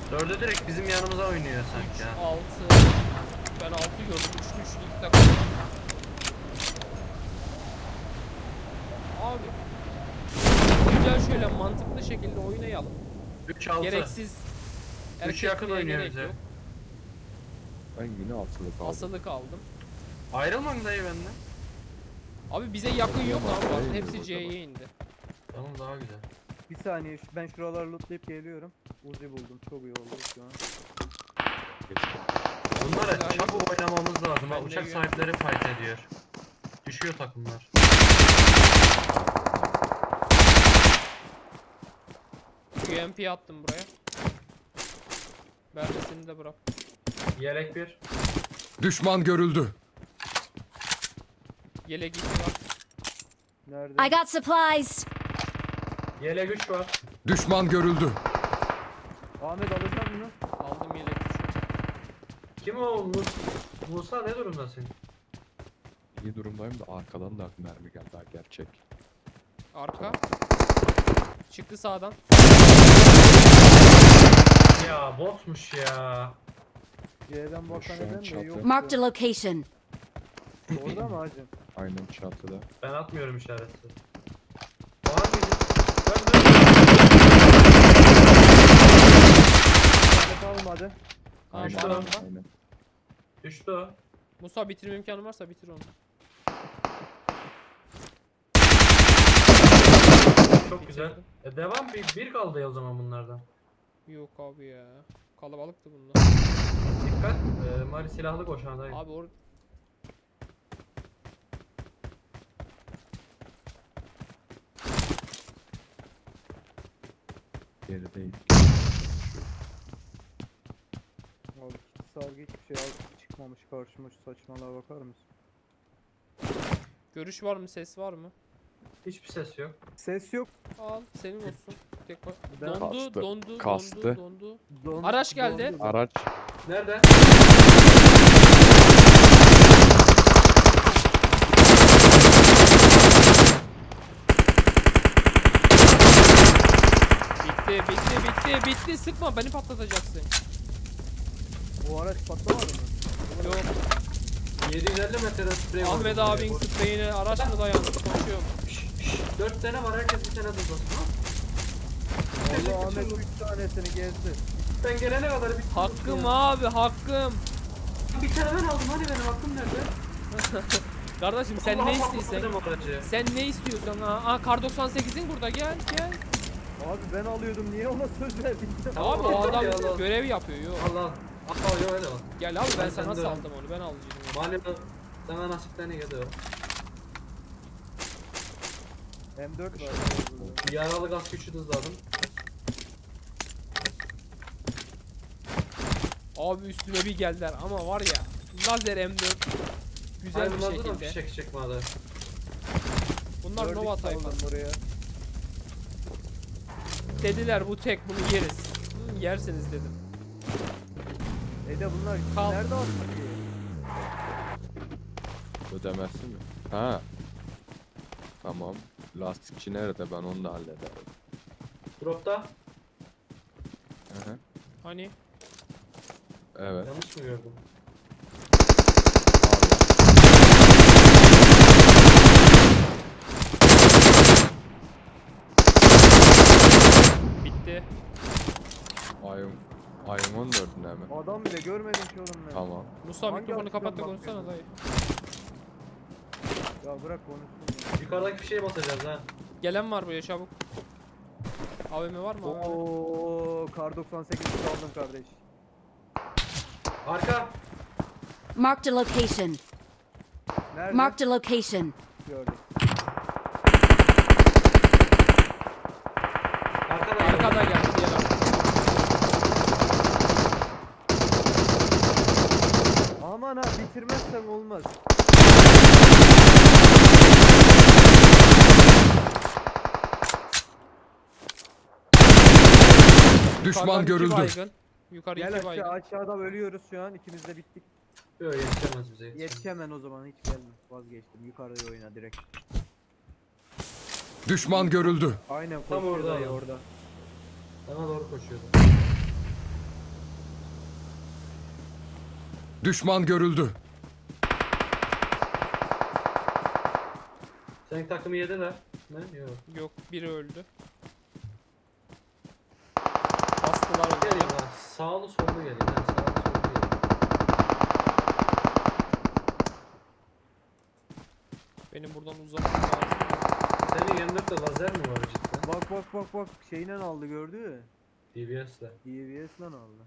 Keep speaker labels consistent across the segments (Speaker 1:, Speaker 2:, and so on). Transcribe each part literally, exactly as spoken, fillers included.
Speaker 1: Dördü direkt bizim yanımıza oynuyor sanki ya.
Speaker 2: altı. Ben altı gördüm. Üçlü üçlü iki takım. Abi. Güzel şöyle mantıklı şekilde oynayalım.
Speaker 1: üç altı.
Speaker 2: Gereksiz
Speaker 1: üç yakın
Speaker 2: erkekliğe
Speaker 1: oynuyor
Speaker 2: gerek
Speaker 1: bize.
Speaker 2: yok.
Speaker 3: Ben yine asılı kaldım.
Speaker 2: Asılık aldım.
Speaker 1: Ayrılma dayı benden.
Speaker 2: Abi bize yakın yok
Speaker 3: Tamam,
Speaker 2: abi.
Speaker 3: hayır,
Speaker 2: Hepsi
Speaker 3: burada
Speaker 2: C'ye indi.
Speaker 1: Tamam daha güzel.
Speaker 4: Bir saniye şu- ben şuraları lootlayıp geliyorum. Uzi buldum. Çok iyi oldu şu an.
Speaker 1: Bunlara
Speaker 2: Güzel.
Speaker 1: çabuk oynamamız lazım.
Speaker 2: Ben
Speaker 1: Ha,
Speaker 2: de
Speaker 1: uçak
Speaker 2: gö-
Speaker 1: sahipleri fight ediyor. Düşüyor takımlar.
Speaker 2: U M P attım buraya. Vermesini de bırak.
Speaker 1: Yelek bir.
Speaker 3: Düşman görüldü.
Speaker 2: Yelek iki var.
Speaker 4: Nerede?
Speaker 5: I got supplies.
Speaker 1: Yelek üç var.
Speaker 3: Düşman görüldü.
Speaker 4: Ahmet alacak mı?
Speaker 2: Aldım yelek üçü.
Speaker 1: Kim o? Mus Musa ne durumdasın?
Speaker 3: İyi durumdayım da arkadan da mermi geldi ha, gerçek.
Speaker 2: Arka. Çıktı sağdan.
Speaker 1: Ya botmuş ya.
Speaker 4: C'den bakan
Speaker 3: Şu an
Speaker 4: neden de
Speaker 3: çatı.
Speaker 4: yok.
Speaker 5: Marked a
Speaker 4: ya.
Speaker 5: location.
Speaker 4: Orada mı hacım?
Speaker 3: Aynen çatıda.
Speaker 1: Ben atmıyorum işareti. Var mıydı? Dön dön.
Speaker 4: Ahmet almadı.
Speaker 2: Aa,
Speaker 3: Aynen.
Speaker 1: Düştü lan.
Speaker 3: Aynen.
Speaker 1: Düştü o.
Speaker 2: Musa bitirme imkanı varsa bitir onu.
Speaker 1: Çok güzel. E, devam bir, bir kaldı ya o zaman bunlardan.
Speaker 2: Yok abi ya. Kalabalıktı bunlar.
Speaker 1: Dikkat. E, Mali silahlı koşandayım.
Speaker 2: Abi or
Speaker 3: Gerideyim.
Speaker 4: Abi kit sargı hiçbir şey al çıkmamış karşıma, şu saçmalığa bakar mısın?
Speaker 2: görüş var mı? Ses var mı?
Speaker 1: Hiçbir ses yok.
Speaker 4: Ses yok.
Speaker 2: Al senin olsun. Tek bak.
Speaker 4: Ben-
Speaker 2: Dondu,
Speaker 3: Kastı,
Speaker 2: dondu,
Speaker 3: kastı.
Speaker 2: dondu, dondu.
Speaker 4: Don,
Speaker 2: Araç geldi.
Speaker 4: dondu.
Speaker 3: Araç.
Speaker 1: Nerede?
Speaker 2: Bitti, bitti, bitti, bitti. Sıkma beni patlatacaksın.
Speaker 4: Bu araç patlamadı mı?
Speaker 2: Yok.
Speaker 1: yedi yüz elli metreden sprey var.
Speaker 2: Ahmet abin spreyine araç mı dayandı? Konuşuyorum.
Speaker 1: dört tane var, herkes bir tane durdursun.
Speaker 4: Allah Ahmet üç tanesini gezdi.
Speaker 1: Ben gelene kadar bir
Speaker 2: Hakkım abi, hakkım.
Speaker 1: Bir tane ben aldım, hani benim hakkım nerede?
Speaker 2: Kardeşim sen
Speaker 1: Allah
Speaker 2: ne
Speaker 1: Allah,
Speaker 2: istiyorsan.
Speaker 1: patladım aracı.
Speaker 2: Sen ne istiyorsan ha? Aa kar doksan sekizin burada gel gel.
Speaker 4: Abi ben alıyordum niye ona söz verdin?
Speaker 1: Tamam,
Speaker 2: Abi o
Speaker 1: yeter
Speaker 2: adam
Speaker 1: ya, Allah.
Speaker 2: görev yapıyor yok.
Speaker 1: Allah al. Al yok öyle al.
Speaker 2: Gel abi ben
Speaker 1: Ben
Speaker 2: sana
Speaker 1: sende-
Speaker 2: saldım onu ben alacağım.
Speaker 1: Mali sana nasipten iyi gidiyor.
Speaker 4: M dört var.
Speaker 1: Yaralı gaz güçlü hızladım.
Speaker 2: Abi üstüme bir geldiler ama var ya lazer M dört güzel
Speaker 1: Hayır,
Speaker 2: bir
Speaker 1: bunlarda da
Speaker 2: şekilde.
Speaker 1: fişek çıkmadı.
Speaker 2: Bunlar
Speaker 4: Gördük
Speaker 2: Nova
Speaker 4: saldım
Speaker 2: tayfası.
Speaker 4: buraya.
Speaker 2: Dediler bu tek bunu yeriz. Hı, yersiniz dedim.
Speaker 4: E de bunlar
Speaker 2: Kal.
Speaker 4: nerede attı ki?
Speaker 3: Ödemezsin mi? Ha. Tamam. Lastikçi nerede? Ben onu da hallederim.
Speaker 1: Dropta.
Speaker 3: Hı hı.
Speaker 2: Hani
Speaker 3: Evet.
Speaker 1: Yanlış mı gördüm?
Speaker 2: bitti.
Speaker 3: Ayım. Ayım on dördüne mi?
Speaker 4: Adam bile görmedim ki oğlum ben.
Speaker 3: Tamam.
Speaker 2: Musa
Speaker 4: Hangi
Speaker 2: mikrofonu
Speaker 4: açıdan
Speaker 2: kapat da
Speaker 4: bakıyorsun?
Speaker 2: konuşsana dayı.
Speaker 4: Ya bırak konuşsun.
Speaker 1: Yukarıdaki fişeğe basacağız ha.
Speaker 2: Gelen var buraya çabuk. A V M var mı? A V M?
Speaker 4: Oo kar doksan sekiz aldım kardeş.
Speaker 1: Arka.
Speaker 5: Marked a location.
Speaker 4: Nerede?
Speaker 5: Marked a location.
Speaker 4: Gördüm.
Speaker 1: Arkada.
Speaker 2: Arkada geldi diğer arkada.
Speaker 4: Aman ha bitirmezsem olmaz.
Speaker 3: Düşman
Speaker 2: Yukarıdan iki
Speaker 3: görüldü.
Speaker 2: baygın. Yukarı
Speaker 4: Gel
Speaker 2: iki
Speaker 4: aşağı,
Speaker 2: baygın.
Speaker 4: aşağıda ölüyoruz şu an ikimiz de bittik.
Speaker 1: Yok yetişemez bize. yetişemez.
Speaker 4: Yetişemen o zaman hiç gelme. Vazgeçtim. Yukarıda oyna direkt.
Speaker 3: Düşman görüldü.
Speaker 4: Aynen
Speaker 1: Tam
Speaker 4: koşuyor
Speaker 1: orada
Speaker 4: dayı
Speaker 1: adam.
Speaker 4: orada.
Speaker 1: Bana doğru koşuyordu.
Speaker 3: Düşman görüldü.
Speaker 1: Senin takımı yediler. Ne? Yok.
Speaker 2: Yok, biri öldü. Bastılar
Speaker 1: Gelin
Speaker 2: onu.
Speaker 1: lan. Sağlı sollu gelin. Yani sağlı sollu gelin.
Speaker 2: Benim buradan uzatmam lazım.
Speaker 1: Senin yanında da lazer mi var cidden?
Speaker 4: Bak bak bak bak şeyle aldı gördü mü?
Speaker 1: D B S'le.
Speaker 4: D B S'le aldı.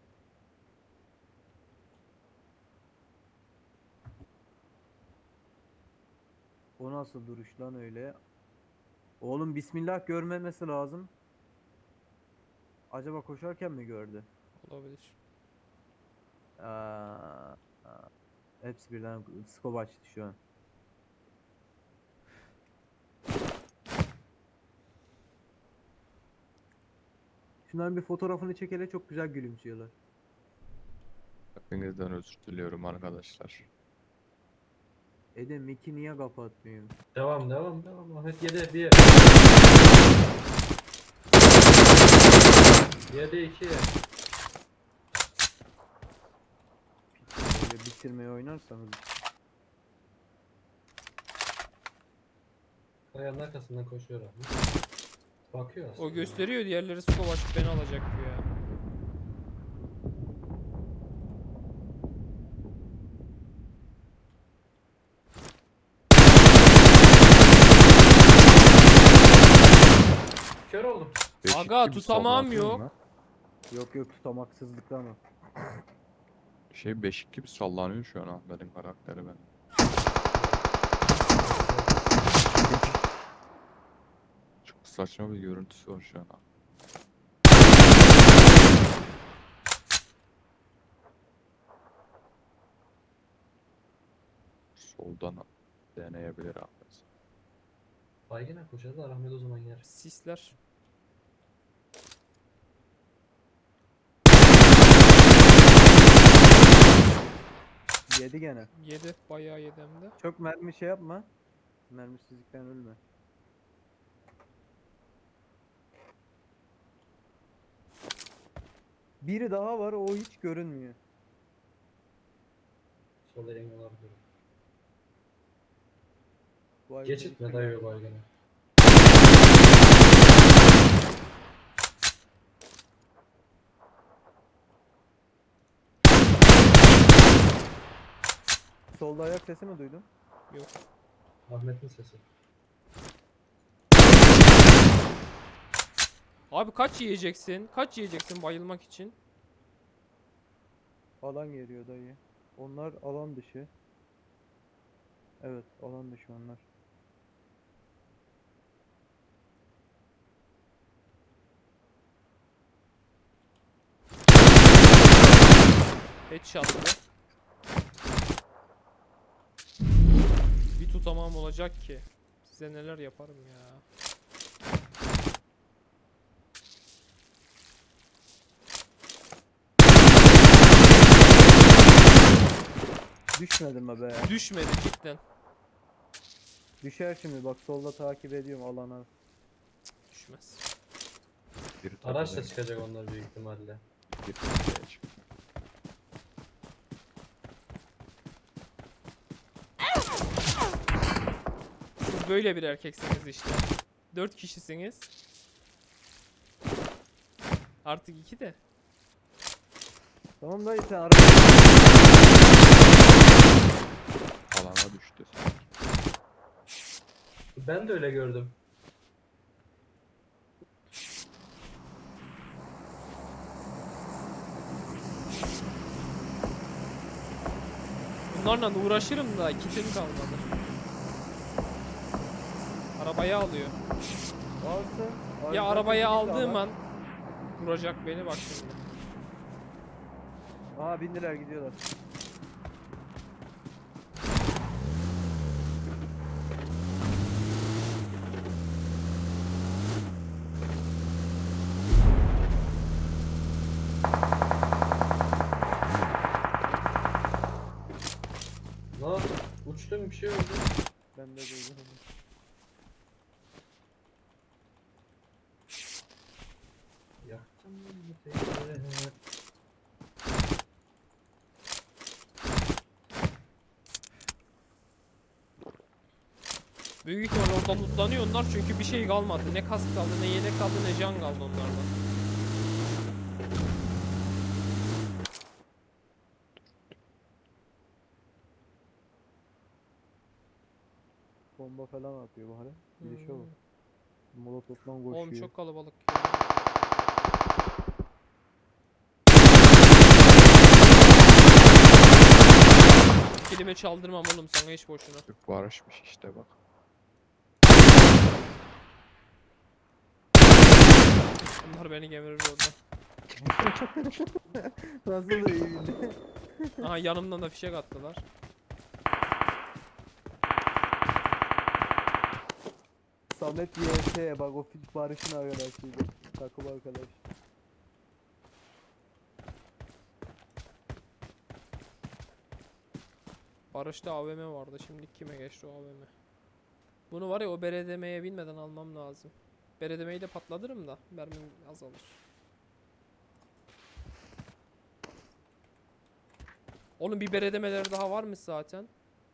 Speaker 4: O nasıl duruş lan öyle? Oğlum bismillah görmemesi lazım. Acaba koşarken mi gördü?
Speaker 2: Olabilir.
Speaker 4: Aa, aa. Hepsi birden scope açtı şu an. Şunların bir fotoğrafını çek hele, çok güzel gülümsüyorlar.
Speaker 3: Hepinizden özür diliyorum arkadaşlar.
Speaker 4: Ede Miki niye kapatmıyor?
Speaker 1: Devam devam devam. Ahmet yedi bir. yedi iki.
Speaker 4: Böyle bitirmeye oynarsanız.
Speaker 1: Kayanın arkasından koşuyor abi. Bakıyor aslında.
Speaker 2: O gösteriyor, diğerleri skop açıp beni alacak diyor ya.
Speaker 1: Kör oldum.
Speaker 3: Beşik
Speaker 2: Aga,
Speaker 3: gibi
Speaker 2: tutamam
Speaker 3: sallanıyor
Speaker 2: yok.
Speaker 3: lan.
Speaker 4: Yok yok, tutamaksızlıktan o.
Speaker 3: Şey beşik gibi sallanıyor şu an Ahmet'in karakteri ben. Çok saçma bir görüntüsü var şu an. Soldan deneyebilir Ahmet.
Speaker 1: Baygına koşacağız da Ahmet o zaman yer.
Speaker 2: Sisler.
Speaker 4: Yedi gene.
Speaker 2: Yedi. Bayağı yedi hem de.
Speaker 4: Çok mermi şey yapma. Mermisizlikten ölme. Biri daha var, o hiç görünmüyor.
Speaker 1: Solda engel olabilir.
Speaker 4: Vay
Speaker 1: Geçit
Speaker 4: be.
Speaker 1: mi dayıyor baygına?
Speaker 4: Solda ayak sesi mi duydun?
Speaker 2: Yok.
Speaker 1: Ahmet'in sesi.
Speaker 2: Abi kaç yiyeceksin? Kaç yiyeceksin bayılmak için?
Speaker 4: Alan geliyor dayı. Onlar alan dışı. Evet, alan dışı onlar.
Speaker 2: Headshot'lı. Bir tutamam olacak ki. Size neler yaparım ya.
Speaker 4: Düşmedim mi be?
Speaker 2: Düşmedi cidden.
Speaker 4: Düşer şimdi, bak solda takip ediyorum alana.
Speaker 2: Düşmez.
Speaker 3: Biri
Speaker 1: Araçla
Speaker 3: tepeden
Speaker 1: çıkacak onlar büyük ihtimalle.
Speaker 3: bir tepeye çıktı.
Speaker 2: Siz böyle bir erkeksiniz işte. Dört kişisiniz. Artık iki de.
Speaker 4: Tamam dayı, sen araba...
Speaker 3: Alana düştü.
Speaker 1: Ben de öyle gördüm.
Speaker 2: Bunlarla uğraşırım da kitim kalmadı. Arabayı alıyor.
Speaker 4: Alsın.
Speaker 2: Ya arabayı aldığım an vuracak beni, bak şimdi.
Speaker 4: Aa, bindiler gidiyorlar.
Speaker 1: Lan uçtum bir şey oldu.
Speaker 4: Ben de duydum.
Speaker 1: Yaktım bu teyze.
Speaker 2: Büyük ihtimal orada lootlanıyor onlar çünkü bir şey kalmadı. Ne kask kaldı, ne yelek kaldı, ne can kaldı onlardan.
Speaker 4: Bomba falan atıyor bari. Bir şey
Speaker 2: Hmm.
Speaker 4: bak. Molotof'tan koşuyor.
Speaker 2: Oğlum çok kalabalık. Kelime çaldırmam oğlum sana hiç boşuna.
Speaker 3: Barışmış işte bak.
Speaker 2: Bunlar beni gemirir orada.
Speaker 4: Nasıl da iyi bildi.
Speaker 2: Aha yanımdan da fişek attılar.
Speaker 4: Samet Y S bak o fit Barış'ın arkadaşıydı. Takım arkadaş.
Speaker 2: Barış'ta A V M vardı. Şimdi kime geçti o A V M? Bunu var ya o beredemeye binmeden almam lazım. Beredemeyi de patlatırım da mermim azalır. Oğlum bir beredemeleri daha varmış zaten.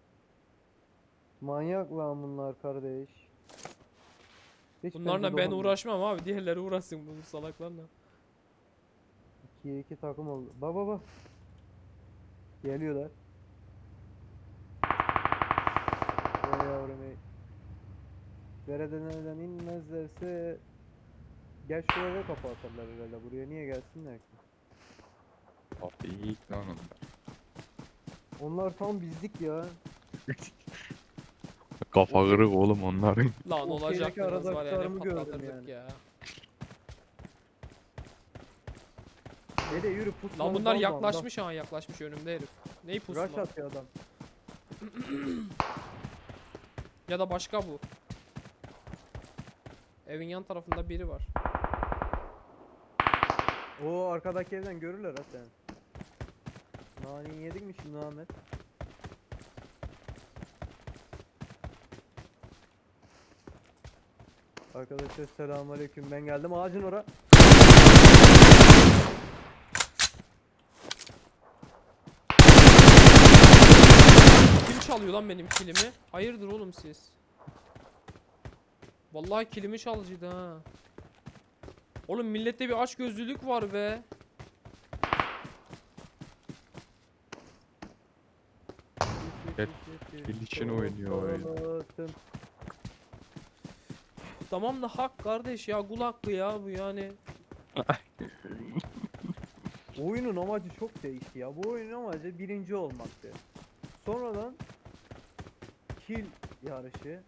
Speaker 4: Manyak lan bunlar kardeş. Hiç
Speaker 2: Bunlarla
Speaker 4: bence
Speaker 2: ben
Speaker 4: dokunma.
Speaker 2: uğraşmam abi. Diğerleri uğraşsın bu salaklarla.
Speaker 4: ikiye iki takım oldu. Bak bak bak. Geliyorlar. Vay yavrum ey. Beredeneden inmezlerse gel şuraya da kapı atarlar herhalde. Buraya niye gelsinler ki?
Speaker 3: Abi iyi lan onlar.
Speaker 4: Onlar tam bizlik ya.
Speaker 3: Kafa kırık oğlum onların.
Speaker 2: Lan
Speaker 4: O
Speaker 2: olacak
Speaker 4: şeydeki
Speaker 2: biraz var ya ne
Speaker 4: aradaklarımı gördüm
Speaker 2: patlatırdık
Speaker 4: yani.
Speaker 2: ya.
Speaker 4: Dede yürü pusma.
Speaker 2: Lan bunlar yaklaşmış ha yaklaşmış önümde herif. Neyi pusma?
Speaker 4: Rush atıyor adam.
Speaker 2: Ya da başka bu. Evin yan tarafında biri var.
Speaker 4: Oo arkadaki evden görürler ha sen. Nani yedik mi şimdi Ahmet? Arkadaşlar selamünaleyküm. Ben geldim ağacın ora.
Speaker 2: Kim çalıyor lan benim kilimi? Hayırdır oğlum siz? Vallahi kilimi çalıcıydı ha. Oğlum millette bir açgözlülük var be.
Speaker 3: Evet, bil için oynuyor oyunu.
Speaker 2: Tamam da hak kardeş ya kul hakkı ya bu yani.
Speaker 4: Oyunun amacı çok değişti ya. Bu oyunun amacı birinci olmaktı. Sonradan kill yarışı,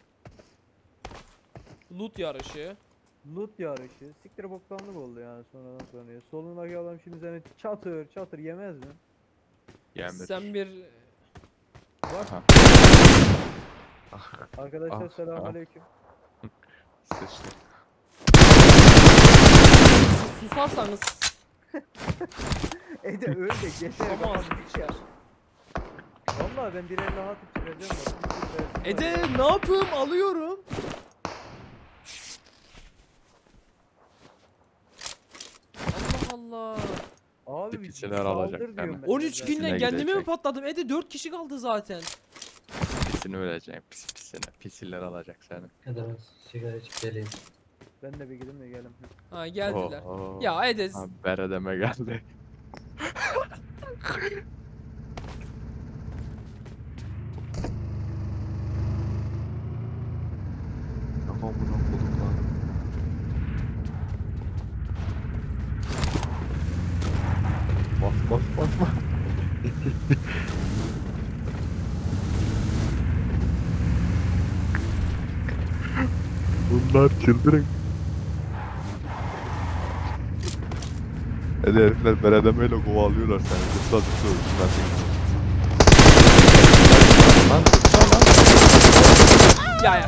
Speaker 2: Loot yarışı.
Speaker 4: loot yarışı, siktir boktanlık oldu yani sonradan sonra. Solundaki adam şimdi seni çatır çatır yemez mi?
Speaker 3: Yemir.
Speaker 2: Sen bir
Speaker 4: Bak
Speaker 3: Ah,
Speaker 4: arkadaşlar
Speaker 3: ah,
Speaker 4: selamünaleyküm.
Speaker 3: sıçtı.
Speaker 2: siz susarsanız
Speaker 4: Ede öyle de geçer.
Speaker 2: susamaz
Speaker 4: bak.
Speaker 2: biçer.
Speaker 4: Vallahi ben bir el daha atıp çıkacağım bak. Bir sürü versin var
Speaker 2: Ede
Speaker 4: ya.
Speaker 2: ne yapayım alıyorum. Allah Allah.
Speaker 4: Abi bir
Speaker 3: Tipçiler
Speaker 4: saldır
Speaker 3: alacak
Speaker 4: diyorum
Speaker 3: yani.
Speaker 4: ben
Speaker 2: on üç
Speaker 4: zaten.
Speaker 2: günden
Speaker 3: Pisine
Speaker 2: kendime mi
Speaker 3: gidecek.
Speaker 2: patladım? Ede dört kişi kaldı zaten.
Speaker 3: Pisini öleceksin pis pisine. Pisiller alacak seni.
Speaker 1: Ya da ben sigara içip geleyim.
Speaker 4: Ben de bir gideyim de gelin.
Speaker 2: Ha geldiler.
Speaker 3: Oho.
Speaker 2: Ya Ede
Speaker 3: Ha, beredeme geldi. Tamam bunu bulduk lan. Bas bas bas bas. Bunlar çıldırın. Hadi herifler beredemeyle kovalıyorlar seni. Zıpla zıpla zıpla. Lan zıpla lan.
Speaker 2: ya ya.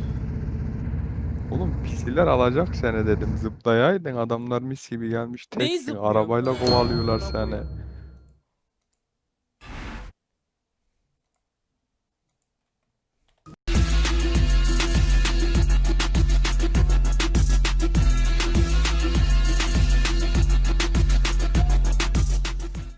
Speaker 3: Oğlum pisiller alacak seni dedim. Zıplayaydın adamlar mis gibi gelmiş.
Speaker 2: Neyi
Speaker 3: Teksin
Speaker 2: zıplıyorsun
Speaker 3: arabayla
Speaker 2: lan?
Speaker 3: kovalıyorlar
Speaker 2: Amına
Speaker 3: seni.
Speaker 2: koyayım.